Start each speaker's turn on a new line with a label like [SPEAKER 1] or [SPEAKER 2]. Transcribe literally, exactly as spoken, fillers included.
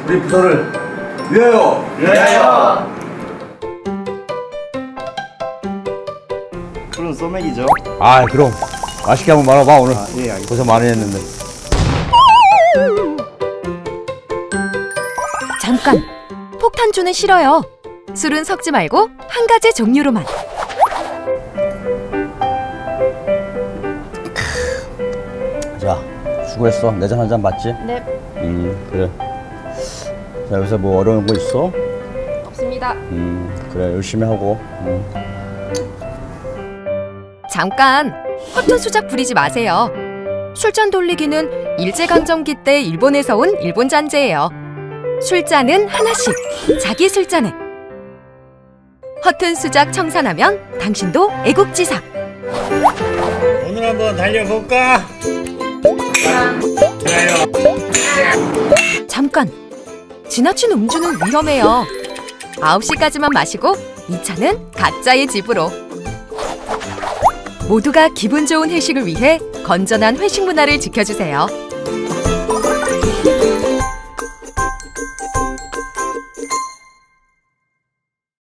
[SPEAKER 1] 우리 부서를 위하여!
[SPEAKER 2] 위하여!
[SPEAKER 3] 그럼 소맥이죠.
[SPEAKER 4] 아 그럼 맛있게 한번 말아봐. 오늘
[SPEAKER 3] 아, 예, 알겠습니다.
[SPEAKER 4] 고생 많이 했는데.
[SPEAKER 5] 잠깐! 폭탄주는 싫어요. 술은 섞지 말고 한 가지 종류로만.
[SPEAKER 4] 자, 수고했어. 내 잔 한 잔 맞지?
[SPEAKER 5] 네,
[SPEAKER 4] 음, 그래. 자, 요새 뭐 어려운 거 있어?
[SPEAKER 5] 없습니다.
[SPEAKER 4] 음, 그래. 열심히 하고. 음.
[SPEAKER 5] 잠깐! 허튼 수작 부리지 마세요. 술잔 돌리기는 일제강점기 때 일본에서 온 일본 잔재예요. 술잔은 하나씩, 자기 술잔에. 허튼 수작 청산하면 당신도 애국지사.
[SPEAKER 3] 오늘 한번 달려볼까?
[SPEAKER 5] 잠깐! 지나친 음주는 위험해요. 아홉 시까지만 마시고 이 차는 각자의 집으로. 모두가 기분 좋은 회식을 위해 건전한 회식 문화를 지켜주세요.